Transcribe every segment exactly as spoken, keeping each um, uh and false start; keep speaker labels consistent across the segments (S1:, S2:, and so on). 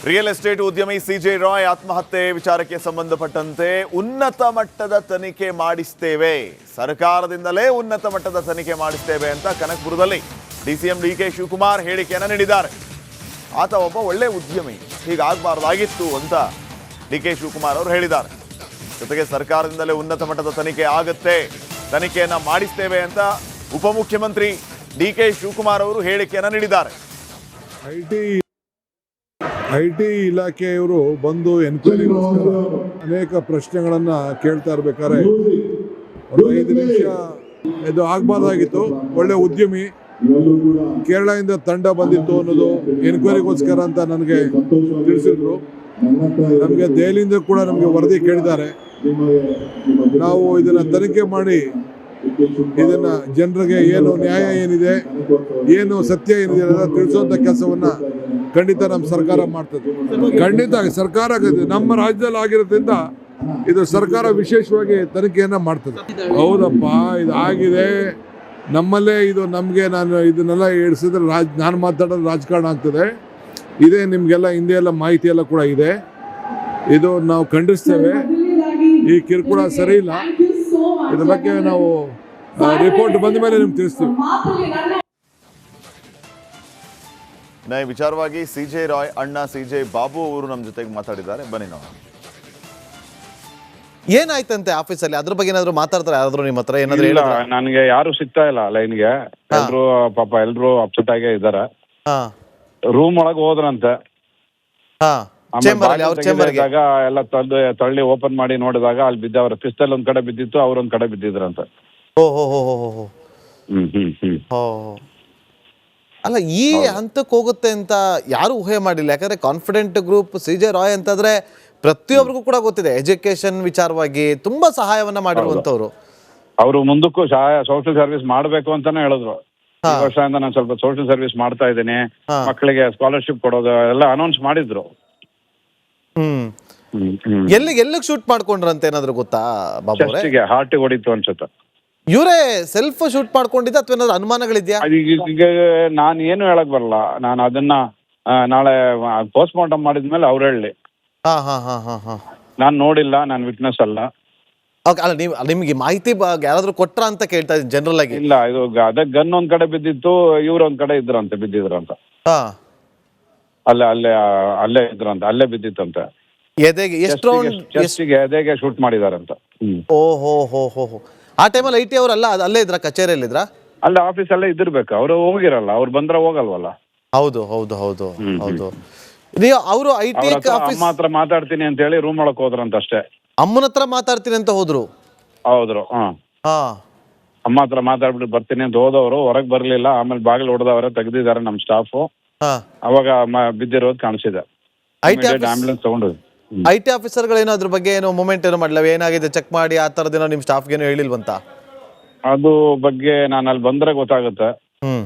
S1: Real estate ಉದ್ಯಮಿ C J Roy ಆತ್ಮಹತ್ಯೆ ವಿಚಾರಕ್ಕೆ ಸಂಬಂಧಪಟ್ಟಂತೆ ಉನ್ನತ ಮಟ್ಟದ ತನಿಖೆ ಮಾಡಿಸ್ತೇವೆ, ಸರ್ಕಾರದಿಂದಲೇ ಉನ್ನತ ಮಟ್ಟದ ತನಿಖೆ ಮಾಡಿಸ್ತೇವೆ ಅಂತ ಕನಕಪುರದಲ್ಲಿ ಡಿಸಿಎಂ ಡಿ ಕೆ ಶಿವಕುಮಾರ್ ಹೇಳಿಕೆಯನ್ನು ನೀಡಿದ್ದಾರೆ. ಆತ ಒಬ್ಬ ಒಳ್ಳೆ ಉದ್ಯಮಿ, ಹೀಗಾಗಬಾರ್ದಾಗಿತ್ತು ಅಂತ ಡಿ ಕೆ ಶಿವಕುಮಾರ್ ಅವರು ಹೇಳಿದ್ದಾರೆ. ಜೊತೆಗೆ ಸರ್ಕಾರದಿಂದಲೇ ಉನ್ನತ ಮಟ್ಟದ ತನಿಖೆ ಆಗುತ್ತೆ, ತನಿಖೆಯನ್ನ ಮಾಡಿಸ್ತೇವೆ ಅಂತ ಉಪಮುಖ್ಯಮಂತ್ರಿ ಡಿ ಕೆ ಶಿವಕುಮಾರ್ ಅವರು ಹೇಳಿಕೆಯನ್ನು ನೀಡಿದ್ದಾರೆ.
S2: ಐಟಿ ಐಟಿ ಇಲಾಖೆಯವರು ಬಂದು ಎನ್ಕ್ವೈರಿಗೋಸ್ಕರ ಅನೇಕ ಪ್ರಶ್ನೆಗಳನ್ನು ಕೇಳ್ತಾ ಇರ್ಬೇಕಾದ್ರೆ ಒಂದು ಐದು ನಿಮಿಷ ಇದು ಆಗಬಾರ್ದಾಗಿತ್ತು. ಒಳ್ಳೆ ಉದ್ಯಮಿ, ಕೇರಳದಿಂದ ತಂಡ ಬಂದಿತ್ತು ಅನ್ನೋದು ಎನ್ಕ್ವೈರಿಗೋಸ್ಕರ ಅಂತ ನನಗೆ ತಿಳಿಸಿದ್ರು. ನಮಗೆ ದೆಹಲಿಯಿಂದ ಕೂಡ ನಮಗೆ ವರದಿ ಕೇಳಿದ್ದಾರೆ. ನಾವು ಇದನ್ನು ತನಿಖೆ ಮಾಡಿ ಇದನ್ನ ಜನರಿಗೆ ಏನು ನ್ಯಾಯ ಏನಿದೆ, ಏನು ಸತ್ಯ ಏನಿದೆ ಅನ್ನೋದನ್ನ ತಿಳಿಸುವಂತ ಕೆಲಸವನ್ನ ಖಂಡಿತ ನಮ್ಮ ಸರ್ಕಾರ ಮಾಡ್ತದೆ. ಖಂಡಿತ ಸರ್ಕಾರ ನಮ್ಮ ರಾಜ್ಯದಲ್ಲಿ ಆಗಿರೋದ್ರಿಂದ ಇದು ಸರ್ಕಾರ ವಿಶೇಷವಾಗಿ ತನಿಖೆಯನ್ನ ಮಾಡ್ತದೆ. ಹೌದಪ್ಪ, ಇದಾಗಿದೆ ನಮ್ಮಲ್ಲೇ, ಇದು ನಮಗೆ ನಾನು ಇದನ್ನೆಲ್ಲ ಇಡಿಸಿದ್ರೆ ರಾಜ್ ನಾನು ಮಾತಾಡೋದು ರಾಜಕಾರಣ ಆಗ್ತದೆ. ಇದೇ ನಿಮಗೆಲ್ಲ ಹಿಂದೆ ಎಲ್ಲ ಮಾಹಿತಿ ಎಲ್ಲ ಕೂಡ ಇದೆ. ಇದು ನಾವು ಖಂಡಿಸ್ತೇವೆ. ಈ ಕಿರುಕುಳ ಸರಿ ಇಲ್ಲ. ಇದ್ರ ಬಗ್ಗೆ ನಾವು ರಿಪೋರ್ಟ್ ಬಂದ ಮೇಲೆ ನಿಮ್ಗೆ ತಿಳಿಸ್ತೀವಿ.
S1: ಈ ವಿಚಾರವಾಗಿ ಸಿಜೆ ರಾಯ್ ಅಣ್ಣ ಸಿಜೆ ಬಾಬು ಅವರು ನಮ್ಮ ಜೊತೆಗೆ ಮಾತಾಡಿದ್ದಾರೆ, ಬನ್ನಿ ನಾವು.
S3: ಏನಾಯ್ತಂತೆ ಆಫೀಸಲ್ಲಿ, ಅದ್ರ ಬಗ್ಗೆ ಏನಾದ್ರು ಮಾತಾಡ್ತಾರೆ ಯಾರಾದ್ರೂ ನಿಮ್ಮ ಹತ್ರ? ಏನಾದ್ರು
S4: ಇಲ್ಲ, ನನಗೆ ಯಾರು ಸಿಗ್ತಾ ಇಲ್ಲ ಲೈನ್ಗೆ. ಎಲ್ರು ಪಾಪ ಎಲ್ರು ಅಪ್ಸೆಟ್ ಆಗೇ ಇದಾರೆ. ರೂಮ್ ಒಳಗೆ ಹೋದ್ರಂತೆ. ಎಲ್ಲ ತಳ್ಳಿ ತಳ್ಳಿ ಓಪನ್ ಮಾಡಿ ನೋಡಿದಾಗ ಅಲ್ಲಿ ಬಿದ್ದ ಅವ್ರ ಪಿಸ್ತಲ್ ಒಂದ್ ಕಡೆ ಬಿದ್ದಿತ್ತು, ಅವ್ರೊಂದ್ ಕಡೆ ಬಿದ್ದಿದ್ರಂತೆ. ಹ್ಮ್ ಹ್ಮ್ ಹ್ಮ್
S3: ಅಲ್ಲ, ಈ ಹಂತಕ್ಕೆ ಹೋಗುತ್ತೆ ಅಂತ ಯಾರು ಊಹೆ ಮಾಡಿಲ್ಲ. ಯಾಕಂದ್ರೆ ಕಾನ್ಫಿಡೆಂಟ್ ಗ್ರೂಪ್ ಸಿಜೆ ರಾಯ್ ಅಂತಂದ್ರೆ ಪ್ರತಿಯೊಬ್ಬರಿಗೂ ಕೂಡ ಗೊತ್ತಿದೆ, ಎಜುಕೇಶನ್ ವಿಚಾರವಾಗಿ ತುಂಬಾ ಸಹಾಯವನ್ನ ಮಾಡಿರುವಂತವ್ರು.
S4: ಅವರು ಮುಂದಕ್ಕೂ ಸಹಾಯ ಸೋಷಿಯಲ್ ಸರ್ವಿಸ್ ಮಾಡ್ಬೇಕು ಅಂತಾನೆ ಹೇಳಿದ್ರು. ಈ ವರ್ಷದಿಂದ ನಾನು ಸ್ವಲ್ಪ ಸೋಷಿಯಲ್ ಸರ್ವಿಸ್ ಮಾಡ್ತಾ ಇದ್ದೀನಿ, ಮಕ್ಕಳಿಗೆ ಸ್ಕಾಲರ್ಶಿಪ್ ಕೊಡೋದು ಎಲ್ಲ ಅನೌನ್ಸ್ ಮಾಡಿದ್ರು.
S3: ಹ್ಮ್ ಎಲ್ಲಿಗೆ ಎಲ್ಲಿಗೆ ಶೂಟ್ ಮಾಡ್ಕೊಂಡ್ರಂತ ಏನಾದ್ರು ಗೊತ್ತಾ ಬಾಬು?
S4: ಹಾರ್ಟ್ ಹೊಡಿತು ಅನ್ಸುತ್ತೆ.
S3: ಇವರೇ ಸೆಲ್ಫ್ ಶೂಟ್ ಮಾಡ್ಕೊಂಡಿದ್ದ ಅಥವಾ ಏನಾದ್ರು ಅನುಮಾನಗಳಿದ್ಯಾ?
S4: ಈಗ ನಾನು ಏನು ಹೇಳಕ್ ಬರಲ್ಲ. ನಾನು ಅದನ್ನ ನಾಳೆ ಪೋಸ್ಟ್ ಮಾರ್ಟಮ್ ಮಾಡಿದ್ಮೇಲೆ ಅವ್ರು ಹೇಳಿ.
S3: ಹಾ ಹಾ ಹಾ ಹಾ ಹಾ
S4: ನಾನು ನೋಡಿಲ್ಲ, ನಾನು ವಿಟ್ನೆಸ್ ಅಲ್ಲ.
S3: ಅಲ್ಲ, ನೀವು ನಿಮ್ಗೆ ಮಾಹಿತಿ ಯಾರಾದ್ರೂ ಕೊಟ್ರ ಅಂತ ಕೇಳ್ತಾ ಇದ್ದೀನಿ ಜನರಲ್ ಆಗಿ.
S4: ಇಲ್ಲ, ಇದು ಅದೇ ಗನ್ ಒಂದ್ ಕಡೆ ಬಿದ್ದಿತ್ತು, ಇವ್ರ ಒಂದ್ ಕಡೆ ಇದ್ರಂತೆ ಬಿದ್ದಿದ್ರಂತ.
S3: ಹಾ
S4: ಅಲ್ಲೇ ಅಲ್ಲೇ ಅಲ್ಲೇ ಇದ್ರಂತೆ, ಅಲ್ಲೇ ಬಿದ್ದಿತ್ತಂತೆ.
S3: ಎದೆಗೆ ಎಷ್ಟು
S4: ಚೆಸ್ಟಿಗೆ ಎದೆಗೆ ಶೂಟ್ ಮಾಡಿದಾರಂತ.
S3: ಓ ಹೋ ಹೋ ಹೋ ಹೋ ಆ ಟೈಮಲ್ಲಿ ಐ ಟಿ ಅವರಲ್ಲ ಅಲ್ಲೇ ಇದ್ರ, ಕಚೇರಿಯಲ್ಲಿ ಇದ್ರ?
S4: ಅಲ್ಲೇ ಆಫೀಸ್ ಅಲ್ಲೇ ಇದಿರ್ಬೇಕು. ಅವ್ರು ಹೋಗಿರಲ್ಲ, ಅವ್ರು ಬಂದ್ರೆ ಹೋಗಲ್ವಲ್ಲ.
S3: ಹೌದು ಹೌದು ಹೌದು ಹೌದು. ನೀವು ಅವರು ಐ ಟಿ
S4: ಅಮ್ಮ ಹತ್ರ ಮಾತಾಡ್ತೀನಿ ಅಂತ ಹೇಳಿ ರೂಮ್ ಒಳಕ್ ಹೋದ್ರಂತ ಅಷ್ಟೇ.
S3: ಅಮ್ಮನ ಹತ್ರ ಮಾತಾಡ್ತೀನಿ ಅಂತ ಹೋದ್ರು?
S4: ಹೌದ್ರು. ಹಾ
S3: ಹಾ
S4: ಅಮ್ಮ ಹತ್ರ ಮಾತಾಡ್ಬಿಟ್ಟು ಬರ್ತೀನಿ ಅಂತ ಹೋದವರು ಹೊರಗೆ ಬರ್ಲಿಲ್ಲ. ಆಮೇಲೆ ಬಾಗಿಲು ಹೊಡೆದವ್ರೆ, ತೆಗ್ದಿದ್ದಾರೆ ನಮ್ ಸ್ಟಾಫ್. ಅವಾಗ ಬಿದ್ದಿರೋದು ಕಾಣಿಸಿದೆ. ಆಂಬುಲೆನ್ಸ್ ತಗೊಂಡು
S3: ಐ ಟಿ ಆಫೀಸರ್ಗಳೇನೋ ಅದ್ರ ಬಗ್ಗೆ ಏನೋ ಮೂಮೆಂಟ್ ಏನೋ ಮಾಡಲ್ಲ, ಏನಾಗಿದೆ ಚೆಕ್ ಮಾಡಿ ಆ ಥರದ್ದೇನೋ ನಿಮ್ಮ ಸ್ಟಾಫ್ಗೇನೋ ಹೇಳಿಲ್ವಂತ?
S4: ಅದು ಬಗ್ಗೆ ನಾನು ಅಲ್ಲಿ ಬಂದ್ರೆ ಗೊತ್ತಾಗುತ್ತೆ.
S3: ಹ್ಮ್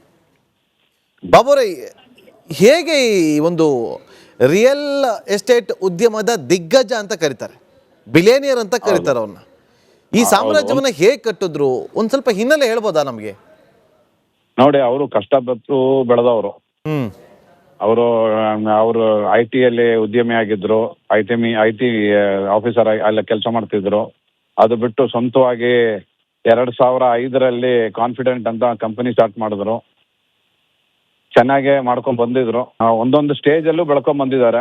S3: ಬಾಬುರೇ, ಹೇಗೆ ಈ ಒಂದು ರಿಯಲ್ ಎಸ್ಟೇಟ್ ಉದ್ಯಮದ ದಿಗ್ಗಜ ಅಂತ ಕರೀತಾರೆ, ಬಿಲಿಯನಿಯರ್ ಅಂತ ಕರೀತಾರೆ ಅವನ್ನ, ಈ ಸಾಮ್ರಾಜ್ಯವನ್ನ ಹೇಗೆ ಕಟ್ಟಿದ್ರು ಒಂದ್ ಸ್ವಲ್ಪ ಹಿನ್ನೆಲೆ ಹೇಳ್ಬೋದಾ ನಮ್ಗೆ?
S4: ನೋಡಿ, ಅವರು ಕಷ್ಟಪಟ್ಟು ಬೆಳೆದವರು.
S3: ಹ್ಮ್
S4: ಅವರು ಅವರು ಐ ಟಿ ಅಲ್ಲಿ ಉದ್ಯಮಿ ಆಗಿದ್ರು. I T I T officer ಅಲ್ಲ ಕೆಲಸ ಮಾಡ್ತಿದ್ರು. ಅದು ಬಿಟ್ಟು ಸ್ವಂತವಾಗಿ ಎರಡ್ ಸಾವಿರ ಐದರಲ್ಲಿ ಕಾನ್ಫಿಡೆಂಟ್ ಅಂತ ಕಂಪನಿ ಸ್ಟಾರ್ಟ್ ಮಾಡಿದ್ರು. ಚೆನ್ನಾಗೆ ಮಾಡ್ಕೊಂಡ್ ಬಂದಿದ್ರು. ಒಂದೊಂದು ಸ್ಟೇಜ್ ಅಲ್ಲೂ ಬೆಳ್ಕೊಂಡ್ ಬಂದಿದ್ದಾರೆ.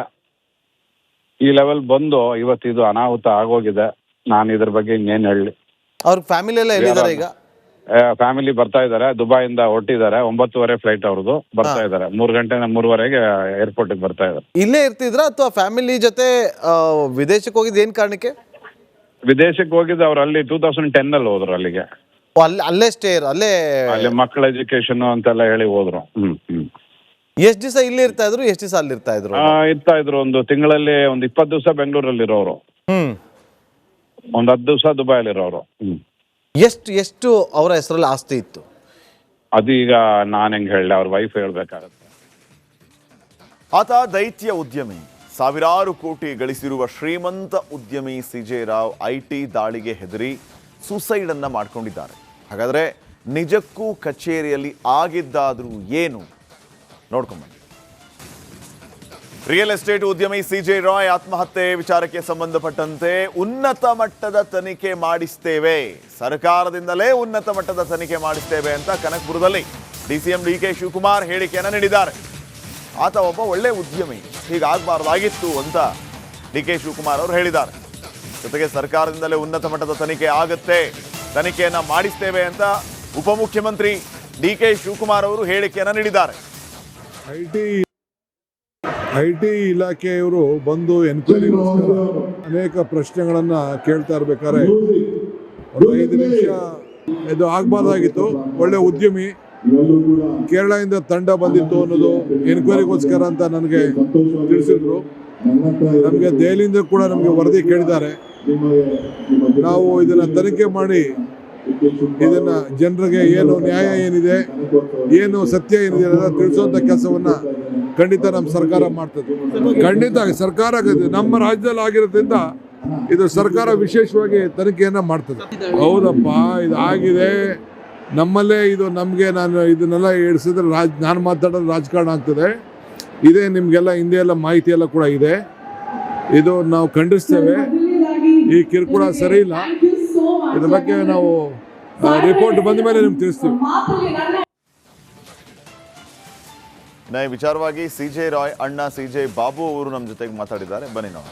S4: ಈ ಲೆವೆಲ್ ಬಂದು ಇವತ್ತು ಇದು ಅನಾಹುತ ಆಗೋಗಿದೆ. ನಾನು ಇದ್ರ ಬಗ್ಗೆ ಇನ್ನೇನು ಹೇಳಿ.
S3: ಅವ್ರ ಫ್ಯಾಮಿಲಿ ಎಲ್ಲ ಎಲ್ಲಿದ್ದಾರೆ ಈಗ?
S4: ಫ್ಯಾಮಿಲಿ ಬರ್ತಾ ಇದಾರೆ, ದುಬೈಯಿಂದ ಹೊರಟಿದ್ದಾರೆ. ಒಂಬತ್ತುವರೆ ಫ್ಲೈಟ್ ಅವ್ರದ್ದು. ಬರ್ತಾ ಇದಾರೆ, ಮೂರ್ ಗಂಟೆ ಮೂರುವರೆಗೆ ಏರ್ಪೋರ್ಟ್ ಬರ್ತಾ ಇದಾರೆ.
S3: ಇಲ್ಲೇ ಇರ್ತಿದ್ರ ಅಥವಾ ಫ್ಯಾಮಿಲಿ ಜೊತೆ ವಿದೇಶಕ್ಕೆ ಹೋಗಿದ್ ಏನ್ ಕಾರಣಕ್ಕೆ?
S4: ವಿದೇಶಕ್ಕೆ ಹೋಗಿದ್ದು ಅವ್ರು ಅಲ್ಲಿ ಟೂ ತೌಸಂಡ್ ಟೆನ್ ಅಲ್ಲಿ ಹೋದ್ರು ಅಲ್ಲಿಗೆ.
S3: ಅಲ್ಲೇ ಸ್ಟೇ ಅಲ್ಲೇ
S4: ಅಲ್ಲಿ ಮಕ್ಕಳ ಎಜುಕೇಶನ್ ಅಂತೆಲ್ಲ ಹೇಳಿ ಹೋದ್ರು. ಹ್ಮ್ ಹ್ಮ್
S3: ಎಷ್ಟ್ ದಿವಸ ಇಲ್ಲಿ ಇರ್ತಾ ಇದ್ರು, ಎಷ್ಟ್ ದಿವಸ ಅಲ್ಲಿ ಇರ್ತಾ ಇದ್ರು?
S4: ಇರ್ತಾ ಇದ್ರು ಒಂದು ತಿಂಗಳಲ್ಲಿ ಒಂದು ಇಪ್ಪತ್ತು ದಿವಸ ಬೆಂಗಳೂರಲ್ಲಿ ಇರೋರು.
S3: ಹ್ಮ್
S4: ಒಂದ್ ಹತ್ತು ದಿವಸ ದುಬೈಲಿ ಇರೋರು. ಹ್ಮ್
S3: ಎಷ್ಟು ಎಷ್ಟು ಅವರ ಹೆಸರಲ್ಲಿ ಆಸ್ತಿ ಇತ್ತು?
S4: ಅದು ಈಗ ನಾನು ಹೆಂಗ್ ಹೇಳಿ, ಅವ್ರ ವೈಫ್ ಹೇಳ್ಬೇಕಾಗತ್ತೆ.
S1: ಆತ ದೈತ್ಯ ಉದ್ಯಮಿ, ಸಾವಿರಾರು ಕೋಟಿ ಗಳಿಸಿರುವ ಶ್ರೀಮಂತ ಉದ್ಯಮಿ ಸಿಜೆ ರಾವ್ ಐ ಟಿ ದಾಳಿಗೆ ಹೆದರಿ ಸುಸೈಡ್ ಅನ್ನ ಮಾಡ್ಕೊಂಡಿದ್ದಾರೆ. ಹಾಗಾದ್ರೆ ನಿಜಕ್ಕೂ ಕಚೇರಿಯಲ್ಲಿ ಆಗಿದ್ದಾದ್ರೂ ಏನು ನೋಡ್ಕೊಂಬನ್ನಿ. ರಿಯಲ್ ಎಸ್ಟೇಟ್ ಉದ್ಯಮಿ ಸಿಜೆ ರಾಯ್ ಆತ್ಮಹತ್ಯೆ ವಿಚಾರಕ್ಕೆ ಸಂಬಂಧಪಟ್ಟಂತೆ ಉನ್ನತ ಮಟ್ಟದ ತನಿಖೆ ಮಾಡಿಸ್ತೇವೆ, ಸರ್ಕಾರದಿಂದಲೇ ಉನ್ನತ ಮಟ್ಟದ ತನಿಖೆ ಮಾಡಿಸ್ತೇವೆ ಅಂತ ಕನಕಪುರದಲ್ಲಿ ಡಿಸಿಎಂ ಡಿ ಕೆ ಶಿವಕುಮಾರ್ ಹೇಳಿಕೆಯನ್ನು ನೀಡಿದ್ದಾರೆ. ಆತ ಒಬ್ಬ ಒಳ್ಳೆ ಉದ್ಯಮಿ, ಹೀಗಾಗಬಾರ್ದಾಗಿತ್ತು ಅಂತ ಡಿ ಕೆ ಶಿವಕುಮಾರ್ ಅವರು ಹೇಳಿದ್ದಾರೆ. ಜೊತೆಗೆ ಸರ್ಕಾರದಿಂದಲೇ ಉನ್ನತ ಮಟ್ಟದ ತನಿಖೆ ಆಗುತ್ತೆ, ತನಿಖೆಯನ್ನ ಮಾಡಿಸ್ತೇವೆ ಅಂತ ಉಪಮುಖ್ಯಮಂತ್ರಿ ಡಿ ಕೆ ಶಿವಕುಮಾರ್ ಅವರು ಹೇಳಿಕೆಯನ್ನು ನೀಡಿದ್ದಾರೆ.
S2: ಐ ಟಿ ಐ ಟಿ ಇಲಾಖೆಯವರು ಬಂದು ಎನ್ಕ್ವೈರಿಗೋಸ್ಕರ ಅನೇಕ ಪ್ರಶ್ನೆಗಳನ್ನ ಕೇಳ್ತಾ ಇರ್ಬೇಕಾದ್ರೆ ಒಂದು ಐದು ನಿಮಿಷ ಇದು ಆಗಬಾರ್ದಾಗಿತ್ತು. ಒಳ್ಳೆ ಉದ್ಯಮಿ, ಕೇರಳದಿಂದ ತಂಡ ಬಂದಿತ್ತು ಅನ್ನೋದು ಎನ್ಕ್ವೈರಿಗೋಸ್ಕರ ಅಂತ ನನಗೆ ತಿಳಿಸಿದ್ರು. ನಮಗೆ ದೆಹಲಿಯಿಂದ ಕೂಡ ನಮಗೆ ವರದಿ ಕೇಳಿದ್ದಾರೆ. ನಾವು ಇದನ್ನ ತನಿಖೆ ಮಾಡಿ ಇದನ್ನ ಜನರಿಗೆ ಏನು ನ್ಯಾಯ ಏನಿದೆ, ಏನು ಸತ್ಯ ಏನಿದೆ ಅನ್ನೋದನ್ನ ತಿಳಿಸುವಂತ ಕೆಲಸವನ್ನ ಖಂಡಿತ ನಮ್ಮ ಸರ್ಕಾರ ಮಾಡ್ತದೆ. ಖಂಡಿತ ಸರ್ಕಾರ ನಮ್ಮ ರಾಜ್ಯದಲ್ಲಿ ಆಗಿರೋದ್ರಿಂದ ಇದು ಸರ್ಕಾರ ವಿಶೇಷವಾಗಿ ತನಿಖೆಯನ್ನ ಮಾಡ್ತದೆ. ಹೌದಪ್ಪ, ಇದು ಆಗಿದೆ ನಮ್ಮಲ್ಲೇ. ಇದು ನಮಗೆ ನಾನು ಇದನ್ನೆಲ್ಲ ಇಡಿಸಿದ್ರೆ ರಾಜ್ ನಾನು ಮಾತಾಡೋದು ರಾಜಕಾರಣ ಆಗ್ತದೆ. ಇದೇ ನಿಮಗೆಲ್ಲ ಹಿಂದೆ ಎಲ್ಲ ಮಾಹಿತಿ ಎಲ್ಲ ಕೂಡ ಇದೆ. ಇದು ನಾವು ಖಂಡಿಸ್ತೇವೆ. ಈ ಕಿರುಕುಳ ಸರಿ ಇಲ್ಲ. ಇದ್ರ ಬಗ್ಗೆ ನಾವು ರಿಪೋರ್ಟ್ ಬಂದ ಮೇಲೆ ನಿಮ್ಗೆ ತಿಳಿಸ್ತೀವಿ.
S1: ಈ ವಿಚಾರವಾಗಿ ಸಿಜೆ ರಾಯ್ ಅಣ್ಣ ಸಿಜೆ ಬಾಬು ಅವರು ನಮ್ಮ ಜೊತೆಗೆ ಮಾತಾಡಿದ್ದಾರೆ. ಬನ್ನಿ ನಾವು.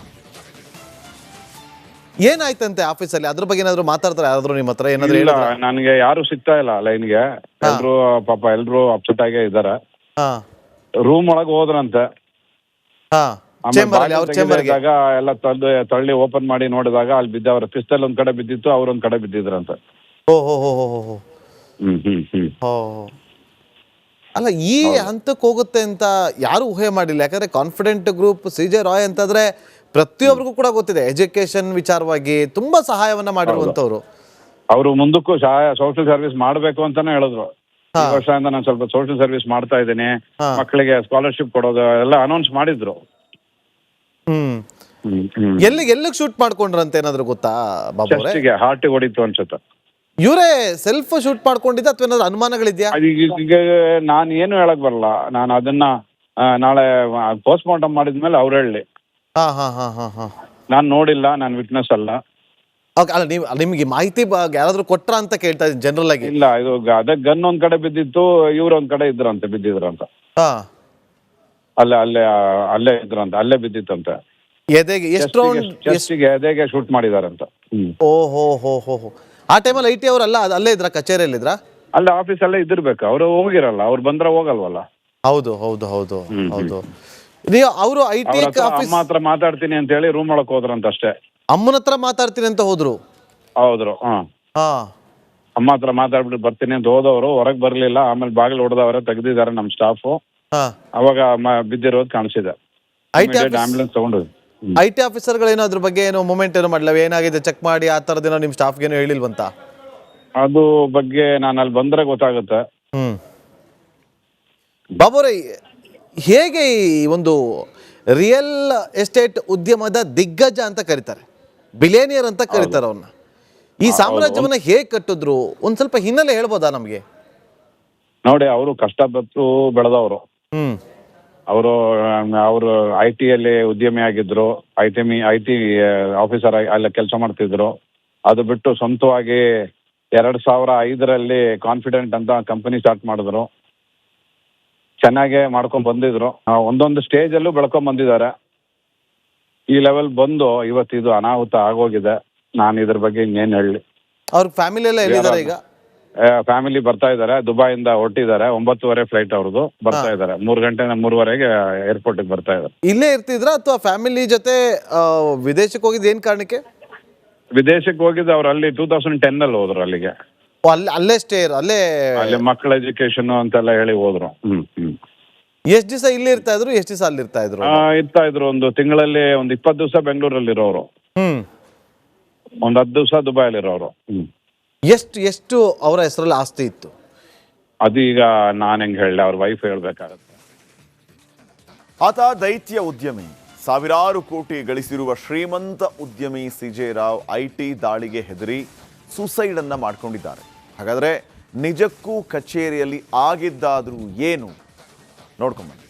S3: ಏನಾಯ್ತಂತೆ ಆಫೀಸಲ್ಲಿ? ಅದ್ರ ಬಗ್ಗೆ ಏನಾದ್ರು ಮಾತಾಡ್ತಾರೆ ಯಾರಾದ್ರೂ ನಿಮ್ಮ ಹತ್ರ? ಏನಾದ್ರು
S4: ಇಲ್ಲ, ನನಗೆ ಯಾರು ಸಿಗ್ತಾ ಇಲ್ಲ ಲೈನ್ಗೆ. ಎಲ್ರು ಪಾಪ ಎಲ್ರು ಅಪ್ಸೆಟ್ ಆಗೇ ಇದಾರೆ. ರೂಮ್ ಒಳಗೆ ಹೋದ್ರಂತೆ. ಎಲ್ಲ ತಳ್ಳಿ ತಳ್ಳಿ ಓಪನ್ ಮಾಡಿ ನೋಡಿದಾಗ ಅಲ್ಲಿ ಬಿದ್ದ ಅವ್ರ ಪಿಸ್ತಲ್ ಒಂದ್ ಕಡೆ ಬಿದ್ದಿತ್ತು, ಅವ್ರೊಂದ್ ಕಡೆ ಬಿದ್ದಿದ್ರಂತೆ. ಹ್ಮ್ ಹ್ಮ್ ಹ್ಮ್
S3: ಅಲ್ಲ, ಈ ಹಂತಕ್ಕೆ ಹೋಗುತ್ತೆ ಅಂತ ಯಾರು ಊಹೆ ಮಾಡಿಲ್ಲ. ಯಾಕಂದ್ರೆ ಕಾನ್ಫಿಡೆಂಟ್ ಗ್ರೂಪ್ ಸಿಜೆ ರಾಯ್ ಅಂತಂದ್ರೆ ಪ್ರತಿಯೊಬ್ಬರಿಗೂ ಕೂಡ ಗೊತ್ತಿದೆ, ಎಜುಕೇಶನ್ ವಿಚಾರವಾಗಿ ತುಂಬಾ ಸಹಾಯವನ್ನ ಮಾಡಿರುವಂತವ್ರು.
S4: ಅವರು ಮುಂದಕ್ಕೂ ಸಹಾಯ ಸೋಷಿಯಲ್ ಸರ್ವಿಸ್ ಮಾಡ್ಬೇಕು ಅಂತಾನೆ ಹೇಳಿದ್ರು. ಈ ವರ್ಷದಿಂದ ನಾನು ಸ್ವಲ್ಪ ಸೋಷಿಯಲ್ ಸರ್ವಿಸ್ ಮಾಡ್ತಾ ಇದ್ದೀನಿ, ಮಕ್ಕಳಿಗೆ ಸ್ಕಾಲರ್ಶಿಪ್ ಕೊಡೋದು ಎಲ್ಲ ಅನೌನ್ಸ್ ಮಾಡಿದ್ರು.
S3: ಹ್ಮ್ ಎಲ್ಲಿಗೆ ಎಲ್ಲಿಗೆ ಶೂಟ್ ಮಾಡ್ಕೊಂಡ್ರಂತ ಏನಾದ್ರು ಗೊತ್ತಾ ಬಾಬು?
S4: ಹಾರ್ಟ್ ಹೊಡಿತು ಅನ್ಸುತ್ತೆ.
S3: ಇವರೇ ಸೆಲ್ಫ್ ಶೂಟ್ ಮಾಡ್ಕೊಂಡಿದ್ದ ಅಥವಾ ಏನಾದ್ರು ಅನುಮಾನಗಳಿದ್ಯಾ?
S4: ಈಗ ನಾನು ಏನು ಹೇಳಕ್ ಬರಲ್ಲ. ನಾನು ಅದನ್ನ ನಾಳೆ ಪೋಸ್ಟ್ ಮಾರ್ಟಮ್ ಮಾಡಿದ್ಮೇಲೆ ಅವ್ರು ಹೇಳಿ.
S3: ಹಾ ಹಾ ಹಾ ಹಾ ಹಾ
S4: ನಾನು ನೋಡಿಲ್ಲ, ನಾನು ವಿಟ್ನೆಸ್ ಅಲ್ಲ.
S3: ಅಲ್ಲ, ನೀವು ನಿಮ್ಗೆ ಮಾಹಿತಿ ಯಾರಾದ್ರೂ ಕೊಟ್ರ ಅಂತ ಕೇಳ್ತಾ ಇದ್ದೀನಿ ಜನರಲ್ ಆಗಿ.
S4: ಇಲ್ಲ, ಇದು ಅದೇ ಗನ್ ಒಂದ್ ಕಡೆ ಬಿದ್ದಿತ್ತು, ಇವ್ರ ಒಂದ್ ಕಡೆ ಇದ್ರಂತೆ ಬಿದ್ದಿದ್ರಂತ.
S3: ಹಾ
S4: ಅಲ್ಲೇ ಅಲ್ಲೇ ಅಲ್ಲೇ ಇದ್ರಂತೆ, ಅಲ್ಲೇ ಬಿದ್ದಿತ್ತಂತೆ.
S3: ಎದೆಗೆ ಎಷ್ಟು
S4: ಚೆಸ್ಟಿಗೆ ಎದೆಗೆ ಶೂಟ್ ಮಾಡಿದಾರಂತ.
S3: ಓ ಹೋ ಹೋ ಹೋ ಹೋ ಆ ಟೈಮಲ್ಲಿ ಐ ಟಿ ಅವರಲ್ಲ ಅಲ್ಲೇ ಇದ್ರ, ಕಚೇರಿಯಲ್ಲಿ ಇದ್ರ?
S4: ಅಲ್ಲೇ ಆಫೀಸ್ ಅಲ್ಲೇ ಇದ್ದಿರ್ಬೇಕು. ಅವ್ರು ಹೋಗಿರಲ್ಲ, ಅವ್ರು ಬಂದ್ರೆ ಹೋಗಲ್ವಲ್ಲ.
S3: ಹೌದು ಹೌದು ಹೌದು ಹೌದು. ನೀವು ಅವರು ಐ ಟಿ
S4: ಅಮ್ಮ ಹತ್ರ ಮಾತಾಡ್ತೀನಿ ಅಂತ ಹೇಳಿ ರೂಮ್ ಒಳಕ್ ಹೋದ್ರಂತ ಅಷ್ಟೇ.
S3: ಅಮ್ಮನ ಹತ್ರ ಮಾತಾಡ್ತೀನಿ ಅಂತ ಹೋದ್ರು?
S4: ಹೌದ್ರು. ಹಾ
S3: ಹಾ
S4: ಅಮ್ಮ ಹತ್ರ ಮಾತಾಡ್ಬಿಟ್ಟು ಬರ್ತೀನಿ ಅಂತ ಹೋದವರು ಹೊರಗೆ ಬರ್ಲಿಲ್ಲ. ಆಮೇಲೆ ಬಾಗಿಲು ಹೊಡೆದವರ ತೆಗ್ದಿದ್ದಾರೆ ನಮ್ಮ ಸ್ಟಾಫ್. ಅವಾಗ ಬಿದ್ದಿರೋದು ಕಾಣಿಸಿದೆ. ಆಂಬುಲೆನ್ಸ್ ತಗೊಂಡು
S3: ಐ ಟಿ ಆಫೀಸರ್ಗಳೇನೋ ಅದ್ರ ಬಗ್ಗೆ ಏನೋ ಮೂಮೆಂಟ್ ಏನೋ ಮಾಡಲ್ಲ, ಏನಾಗಿದೆ ಚೆಕ್ ಮಾಡಿ ಆ ಥರದ್ದೇನೋ ನಿಮ್ಮ ಸ್ಟಾಫ್ಗೇನೋ ಹೇಳಿಲ್ವಂತ?
S4: ಅದು ಬಗ್ಗೆ ನಾನು ಅಲ್ಲಿ ಬಂದ್ರೆ ಗೊತ್ತಾಗುತ್ತೆ.
S3: ಹ್ಮ್ ಬಾಬುರೇ, ಹೇಗೆ ಈ ಒಂದು ರಿಯಲ್ ಎಸ್ಟೇಟ್ ಉದ್ಯಮದ ದಿಗ್ಗಜ ಅಂತ ಕರೀತಾರೆ, ಬಿಲೇನಿಯರ್ ಅಂತ ಕರೀತಾರೆ ಅವನ್ನ, ಈ ಸಾಮ್ರಾಜ್ಯವನ್ನ ಹೇಗೆ ಕಟ್ಟಿದ್ರು ಒಂದ್ ಸ್ವಲ್ಪ ಹಿನ್ನೆಲೆ ಹೇಳ್ಬೋದಾ ನಮ್ಗೆ?
S4: ನೋಡಿ, ಅವರು ಕಷ್ಟಪಟ್ಟು ಬೆಳೆದವರು.
S3: ಹ್ಮ್
S4: ಅವರು ಅವರು ಐ ಟಿ ಅಲ್ಲಿ ಉದ್ಯಮಿ ಆಗಿದ್ರು. I T I T officer ಅಲ್ಲ ಕೆಲಸ ಮಾಡ್ತಿದ್ರು. ಅದು ಬಿಟ್ಟು ಸ್ವಂತವಾಗಿ ಎರಡ್ ಸಾವಿರ ಐದರಲ್ಲಿ ಕಾನ್ಫಿಡೆಂಟ್ ಅಂತ ಕಂಪನಿ ಸ್ಟಾರ್ಟ್ ಮಾಡಿದ್ರು. ಚೆನ್ನಾಗೆ ಮಾಡ್ಕೊಂಡ್ ಬಂದಿದ್ರು. ಒಂದೊಂದು ಸ್ಟೇಜ್ ಅಲ್ಲೂ ಬೆಳ್ಕೊಂಡ್ ಬಂದಿದ್ದಾರೆ. ಈ ಲೆವೆಲ್ ಬಂದು ಇವತ್ತು ಇದು ಅನಾಹುತ ಆಗೋಗಿದೆ. ನಾನು ಇದ್ರ ಬಗ್ಗೆ ಇನ್ನೇನು ಹೇಳಿ.
S3: ಅವ್ರ ಫ್ಯಾಮಿಲಿ ಎಲ್ಲ ಎಲ್ಲಿದ್ದಾರೆ ಈಗ?
S4: ಫ್ಯಾಮಿಲಿ ಬರ್ತಾ ಇದ್ದಾರೆ, ದುಬೈಯಿಂದ ಹೊರಟಿದ್ದಾರೆ. ಒಂಬತ್ತುವರೆ ಫ್ಲೈಟ್ ಅವ್ರದ್ದು. ಬರ್ತಾ ಇದ್ದಾರೆ ಮೂರು ಗಂಟೆ ಮೂರುವರೆಗೆ ಏರ್ಪೋರ್ಟ್ ಬರ್ತಾ ಇದ್ದಾರೆ.
S3: ಇಲ್ಲೇ ಇರ್ತಿದ್ರ ಅಥವಾ ಫ್ಯಾಮಿಲಿ ಜೊತೆ ವಿದೇಶಕ್ಕೆ ಹೋಗಿದ್ದು ಏನ್ ಕಾರಣಕ್ಕೆ?
S4: ವಿದೇಶಕ್ಕೆ ಹೋಗಿದ್ದು ಅವ್ರು ಅಲ್ಲಿ ಟೂ ತೌಸಂಡ್ ಟೆನ್ ಅಲ್ಲಿ ಹೋದ್ರು ಅಲ್ಲಿಗೆ.
S3: ಅಲ್ಲೇ ಸ್ಟೇ ಅಲ್ಲೇ
S4: ಅಲ್ಲಿ ಮಕ್ಕಳ ಎಜುಕೇಶನ್ ಅಂತೆಲ್ಲ ಹೇಳಿ ಹೋದ್ರು. ಹ್ಮ್ ಹ್ಮ್
S3: ಎಷ್ಟ್ ದಿವಸ ಇಲ್ಲಿ ಇರ್ತಾ ಇದ್ರು, ಎಷ್ಟ್ ದಿವಸ ಅಲ್ಲಿ ಇರ್ತಾ ಇದ್ರು?
S4: ಇರ್ತಾ ಇದ್ರು ಒಂದು ತಿಂಗಳಲ್ಲಿ ಒಂದು ಇಪ್ಪತ್ತು ದಿವಸ ಬೆಂಗಳೂರಲ್ಲಿ ಇರೋರು.
S3: ಹ್ಮ್
S4: ಒಂದ್ ಹತ್ತು ದಿವಸ ದುಬೈಲಿ ಇರೋರು. ಹ್ಮ್
S3: ಎಷ್ಟು ಎಷ್ಟು ಅವರ ಹೆಸರಲ್ಲಿ ಆಸ್ತಿ ಇತ್ತು?
S1: ಅದು ಈಗ ನಾನು ಹೆಂಗೆ ಹೇಳಲಿ, ಅವ್ರ ವೈಫ್ ಹೇಳಬೇಕಾಗುತ್ತೆ. ಆತ ದೈತ್ಯ ಉದ್ಯಮಿ, ಸಾವಿರಾರು ಕೋಟಿ ಗಳಿಸಿರುವ ಶ್ರೀಮಂತ ಉದ್ಯಮಿ ಸಿಜೆ ರಾವ್ ಐ ಟಿ ದಾಳಿಗೆ ಹೆದರಿ ಸುಸೈಡ್ ಅನ್ನ ಮಾಡ್ಕೊಂಡಿದ್ದಾರೆ. ಹಾಗಾದ್ರೆ ನಿಜಕ್ಕೂ ಕಚೇರಿಯಲ್ಲಿ ಆಗಿದ್ದಾದ್ರೂ ಏನು ನೋಡ್ಕೊಂಬನ್ನಿ.